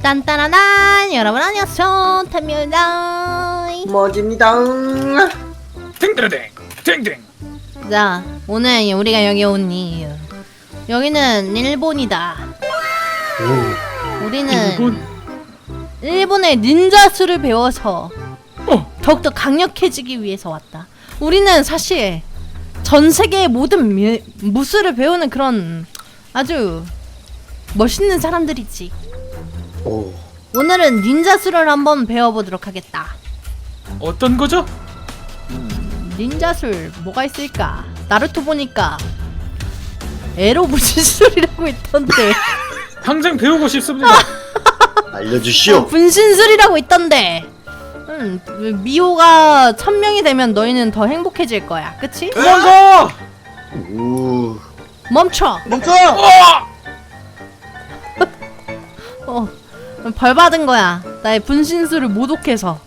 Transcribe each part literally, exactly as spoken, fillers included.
딴따라란 여러분 안녕하세요 탐입니다. 머지입니다. 땡땡땡 땡땡. 자 오늘 우리가 여기 온 이유, 여기는 일본이다. 오. 우리는 일본? 일본의 닌자수를 배워서 어. 더욱더 강력해지기 위해서 왔다. 우리는 사실 전 세계의 모든 미, 무술을 배우는 그런 아주 멋있는 사람들이지. 오. 오늘은 닌자수를 한번 배워보도록 하겠다. 어떤 거죠? 닌자술 뭐가 있을까? 나루토 보니까 에로 분신술이라고 있던데. 당장 배우고 싶습니다. 알려주시오. 분신술이라고 있던데. 음, 미호가 천 명이 되면 너희는 더 행복해질 거야. 그치? 도망가! 우. 멈춰! 멈춰! 어, 벌 받은 거야. 나의 분신술을 모독해서.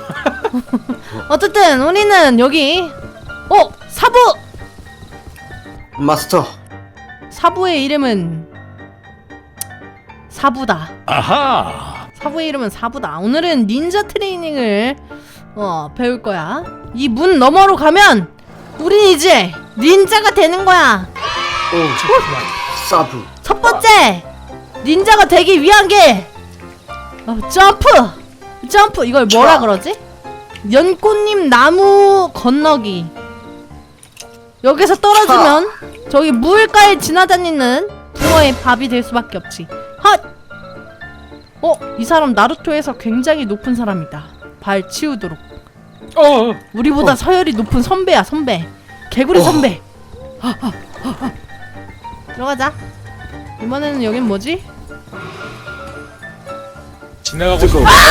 어쨌든 우리는 여기 어! 사부! 마스터. 사부의 이름은 사부다. 아하. 사부의 이름은 사부다. 오늘은 닌자 트레이닝을 어 배울 거야. 이 문 너머로 가면 우린 이제 닌자가 되는 거야. 오. 사부. 첫 번째 닌자가 되기 위한 게 어, 점프! 점프! 이걸 뭐라 촤. 그러지? 연꽃잎 나무 건너기. 여기서 떨어지면 저기 물가에 지나다니는 붕어의 밥이 될 수밖에 없지. 핫! 어? 이 사람 나루토에서 굉장히 높은 사람이다. 발 치우도록. 어. 우리보다 어. 서열이 높은 선배야, 선배. 개구리 어. 선배. 들어가자. 이번에는 여긴 뭐지? 지나가고 싶어. 뜨거워.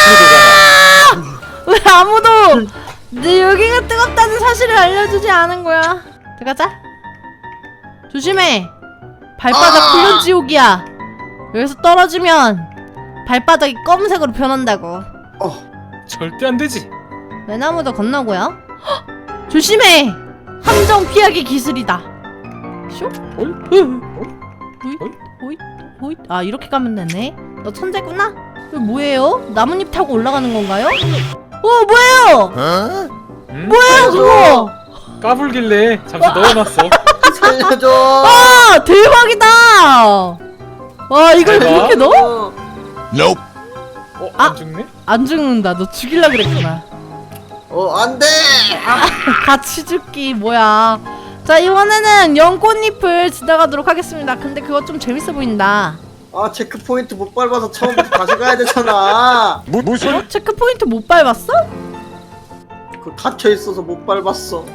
왜 아무도 내 여기가 뜨겁다는 사실을 알려주지 않은 거야? 들어가자. 조심해. 발바닥 아! 훈련 지옥이야. 여기서 떨어지면 발바닥이 검은색으로 변한다고. 어. 절대 안 되지. 외나무도 건너고요. 헉! 조심해. 함정 피하기 기술이다. 쇼? 어이? 오잇 오잇 오잇. 아 이렇게 가면 되네. 너 천재구나? 이거 뭐예요? 나뭇잎 타고 올라가는 건가요? 어 뭐예요? 응? 뭐예요 그거? 까불길래 잠시 넣어놨어. 살려줘. 아 대박이다. 와 이걸 대박. 그렇게 넣어? Nope. 어? 아. 안 죽네? 안 죽는다. 너 죽일라 그랬구나. 어, 안 돼. 같이 죽기 뭐야. 자 이번에는 연꽃잎을 지나가도록 하겠습니다. 근데 그거 좀 재밌어 보인다. 아, 체크 포인트 못 밟아서 처음부터 다시 가야 되잖아. 뭐, 무슨? 어? 체크포인트 못 밟았어? 그 닫혀 있어서 못 밟았어.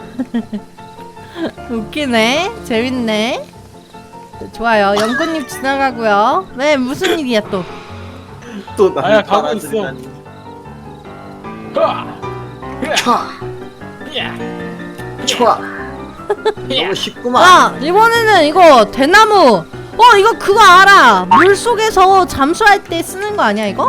웃기네. 재밌네. 좋아요. 연꽃잎 지나가고요. 왜 무슨 일이야 또? 또 나. 아야, 가고 있어. 하! 촤. 야! 촤. 야! 너무 쉽구만. 아 이번에는 이거 대나무. 어 이거 그거 알아. 물속에서 잠수할 때 쓰는 거 아니야 이거?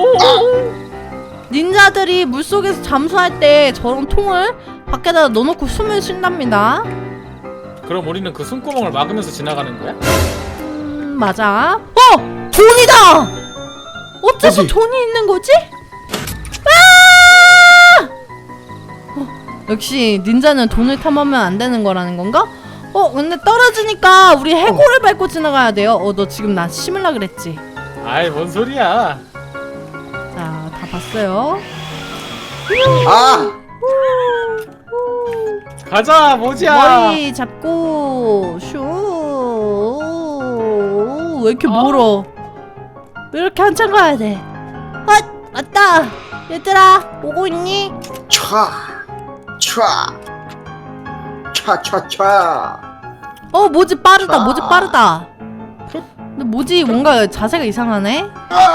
닌자들이 물속에서 잠수할 때 저런 통을 밖에다 넣어놓고 숨을 쉰답니다. 그럼 우리는 그 숨구멍을 막으면서 지나가는 거야? 음 맞아. 어! 돈이다! 어째서 어디? 돈이 있는 거지? 아! 어, 역시 닌자는 돈을 탐하면 안 되는 거라는 건가? 어 근데 떨어지니까 우리 해골을 밟고 지나가야 돼요. 어 너 지금 나 심을라 그랬지? 아이, 뭔 소리야. 자 다 봤어요. 아. 가자, 모지야. 머리 잡고 슈. 왜 이렇게 아. 멀어? 왜 이렇게 한참 가야 돼? 아 맞다. 얘들아 오고 있니? 촤. 촤. 촤, 촤, 촤. 어 모지 빠르다. 아. 모지 빠르다. 근데 모지 뭔가 자세가 이상하네.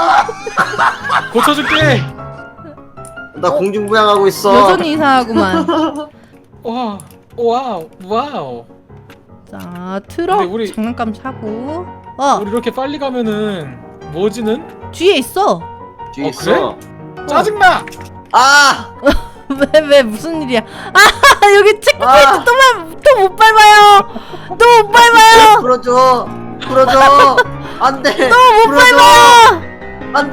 고쳐줄게. 나 공중부양하고 있어. 여전히 이상하구만. 와, 와우, 와우. 자 트럭 근데 우리- 장난감 사고. 어 우리 이렇게 빨리 가면은 모지는 뒤에 있어. 뒤에 어, 있어. 짜증나. 아. 왜 왜 무슨 일이야? 아 여기 체크포인트 아. 또또 못 밟아요. 또 못 밟아요. 풀어줘. 풀어줘. 안 돼. 또 못 밟아. 안돼.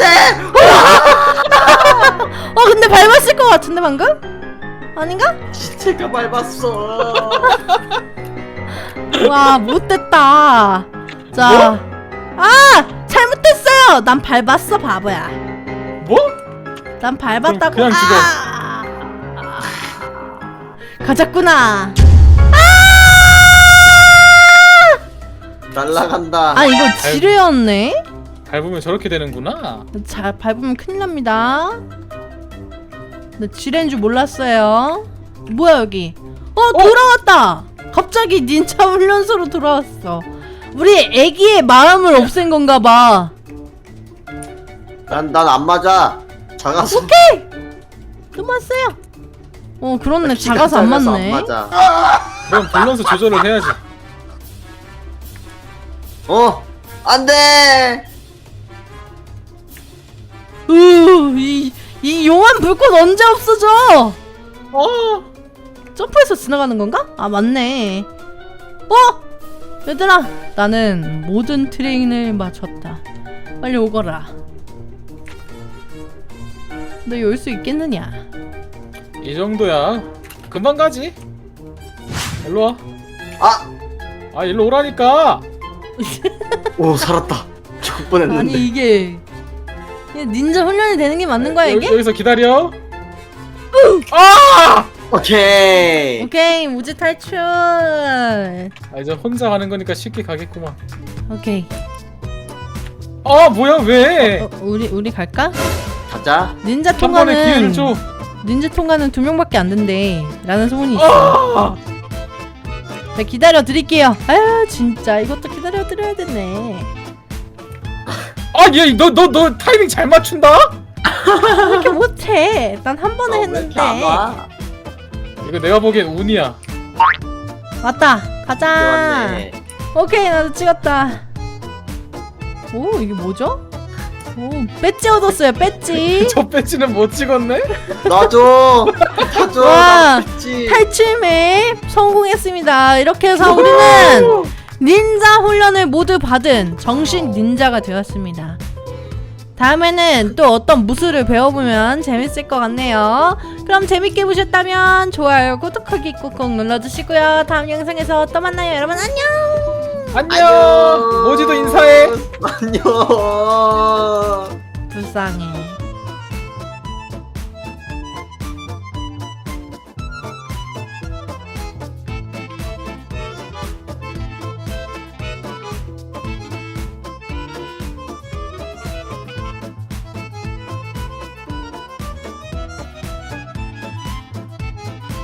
어 근데 밟았을 것 같은데 방금? 아닌가? 시체가 밟았어. 와 못됐다. 자, 아 잘못했어요. 난 밟았어 바보야. 뭐? 난 밟았다고. 그냥 죽어. 아! 가졌구나. 날라간다. 아 이거 지뢰였네. 밟으면 저렇게 되는구나. 잘 밟으면 큰일 납니다. 나 지뢰인 줄 몰랐어요. 뭐야 여기? 어 돌아왔다. 갑자기 닌자 훈련소로 돌아왔어. 우리 애기의 마음을 없앤 건가 봐. 난 난 안 맞아. 작아서. 오케이. 넘어왔어요. 어 그렇네. 작아서 안 맞네. 안 맞아. 그럼 밸런스 조절을 해야지. 어 안돼. 으이 이 용암 불꽃 언제 없어져? 어. 점프해서 지나가는 건가? 아 맞네. 어? 얘들아 나는 모든 트레인을 마쳤다. 빨리 오거라. 너 열 수 있겠느냐? 이 정도야. 금방 가지. 일로 와. 아. 아 일로 오라니까. 오 살았다. 죽을 뻔했는데. 아니 이게 이게 닌자 훈련이 되는 게 맞는 거야 여기, 이게? 여기서 기다려. 아! 오케이. 오케이 무지 탈출. 아 이제 혼자 가는 거니까 쉽게 가겠구만. 오케이. 아 뭐야 왜? 어, 우리 우리 갈까? 가자. 닌자 한 번에 기회를 통과는 줘. 닌자 통과는 두 명밖에 안 된대. 라는 소문이 있어. 아! 자 기다려 드릴게요. 아유 진짜 이것도 기다려 드려야 되네. 아얘너너 너 타이밍 잘 맞춘다? 왜 이렇게 못해? 난 한 번에 어, 왜 했는데. 이렇게 안 와? 이거 내가 보기엔 운이야. 왔다. 가자. 왔네. 오케이 나도 찍었다. 오 이게 뭐죠? 오 배지 얻었어요. 배지. 저 배지는 못 찍었네? 놔줘. 놔줘. 와, 나 죽지. 탈출 맵 성공했습니다. 이렇게 해서 우리는 닌자 훈련을 모두 받은 정식 닌자가 되었습니다. 다음에는 또 어떤 무술을 배워보면 재밌을 것 같네요. 그럼 재밌게 보셨다면 좋아요, 구독하기 꾹꾹 눌러주시고요. 다음 영상에서 또 만나요. 여러분 안녕. 안녕. 모지도 인사해. 안녕. 불쌍해.